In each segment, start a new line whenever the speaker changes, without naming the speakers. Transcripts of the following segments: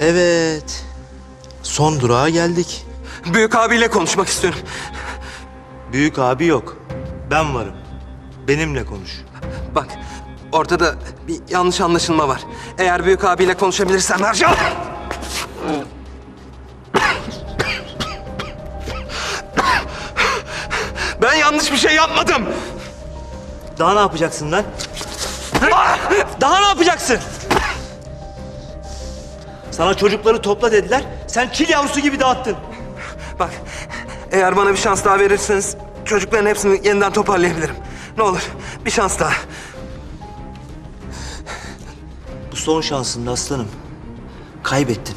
Evet. Son durağa geldik.
Büyük abiyle konuşmak istiyorum.
Büyük abi yok. Ben varım. Benimle konuş.
Bak, ortada bir yanlış anlaşılma var. Eğer büyük abiyle konuşabilirsem Ercan... Ben yanlış bir şey yapmadım.
Daha ne yapacaksın lan? Daha ne yapacaksın? Sana çocukları topla dediler. Sen çil yavrusu gibi dağıttın.
Bak, eğer bana bir şans daha verirseniz çocukların hepsini yeniden toparlayabilirim. Ne olur, bir şans daha.
Bu son şansın aslanım. Kaybettin.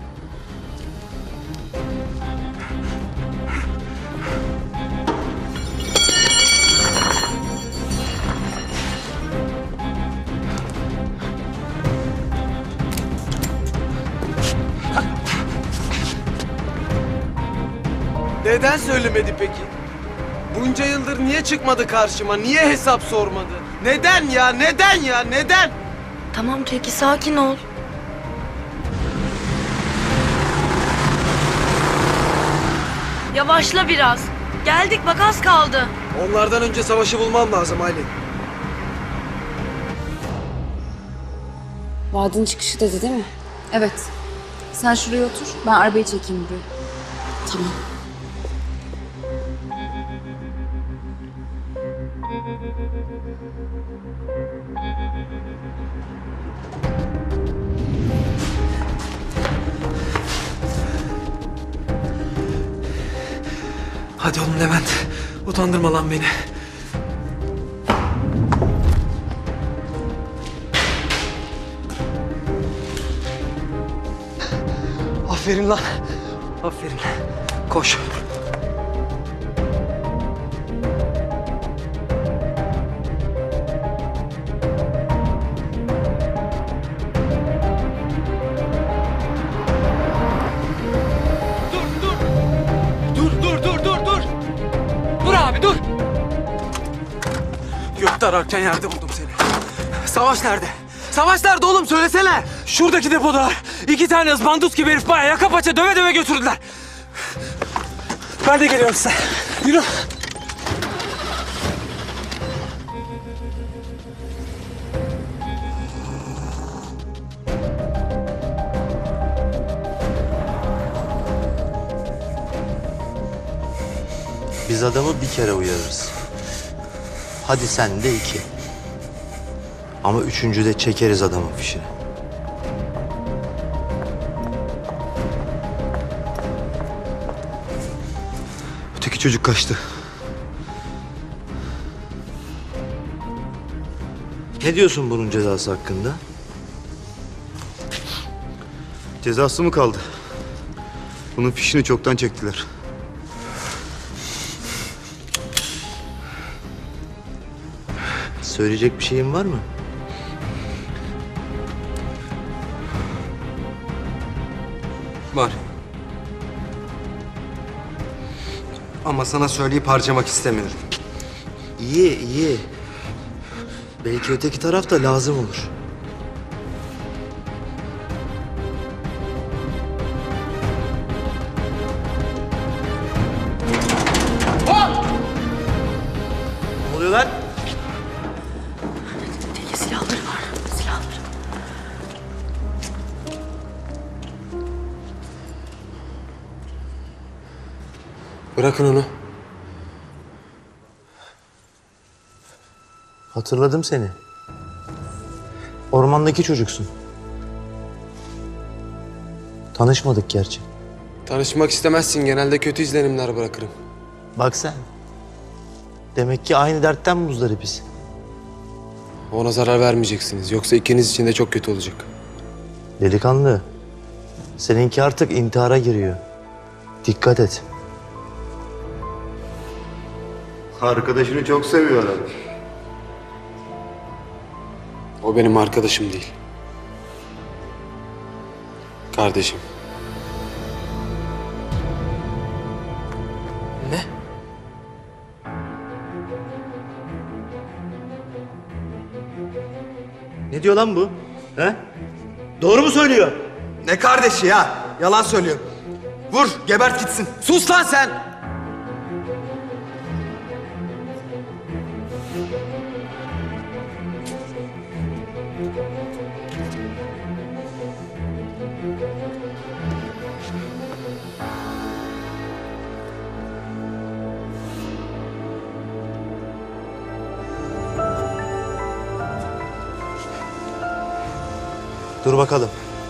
Neden söylemedi peki? Bunca yıldır niye çıkmadı karşıma? Niye hesap sormadı? Neden ya? Neden ya? Neden?
Tamam Teki, sakin ol. Yavaşla biraz. Geldik bak, az kaldı.
Onlardan önce savaşı bulmam lazım Aylin.
Vadinin çıkışı dedi değil mi? Evet. Sen şuraya otur, ben arabayı çekeyim buraya. Tamam.
Hadi oğlum Levent. Utandırma lan beni. Aferin lan. Aferin. Koş. Dur. Dur abi dur. Gökte ararken yerde buldum seni. Savaş nerede? Savaş nerede oğlum, söylesene. Şuradaki depoda. 2 tane ızbandut gibi herif bayağı yaka paça döve döve götürdüler. Ben de geliyorum size. Yürü.
Biz adamı bir kere uyarırız. Hadi sen de 2. Ama 3.'de çekeriz adamın fişini.
Öteki çocuk kaçtı.
Ne diyorsun bunun cezası hakkında?
Cezası mı kaldı? Bunun fişini çoktan çektiler.
Söyleyecek bir şeyin var mı?
Var. Ama sana söyleyip harcamak istemiyorum.
İyi. Belki öteki taraf da lazım olur. Ne oluyor lan?
Teki, silahları var. Silahları.
Bırakın onu.
Hatırladım seni. Ormandaki çocuksun. Tanışmadık gerçi.
Tanışmak istemezsin. Genelde kötü izlenimler bırakırım.
Bak sen. Demek ki aynı dertten muzdaripiz.
Ona zarar vermeyeceksiniz. Yoksa ikiniz için de çok kötü olacak.
Delikanlı. Seninki artık intihara giriyor. Dikkat et.
Arkadaşını çok seviyor adam.
O benim arkadaşım değil. Kardeşim.
Ne?
Ne diyor lan bu? He? Doğru mu söylüyor?
Ne kardeşi ya? Yalan söylüyor. Vur, gebert gitsin.
Sus lan sen!
Dur bakalım.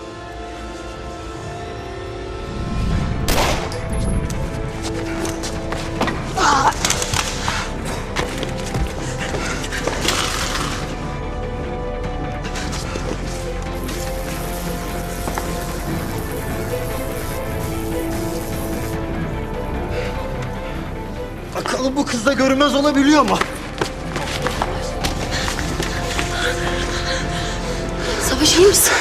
Bakalım bu kız da görünmez olabiliyor mu?
Savaş iyi misin?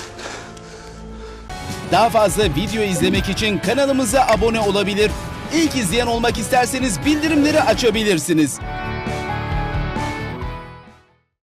Daha fazla video izlemek için kanalımıza abone olabilir. İlk izleyen olmak isterseniz bildirimleri açabilirsiniz.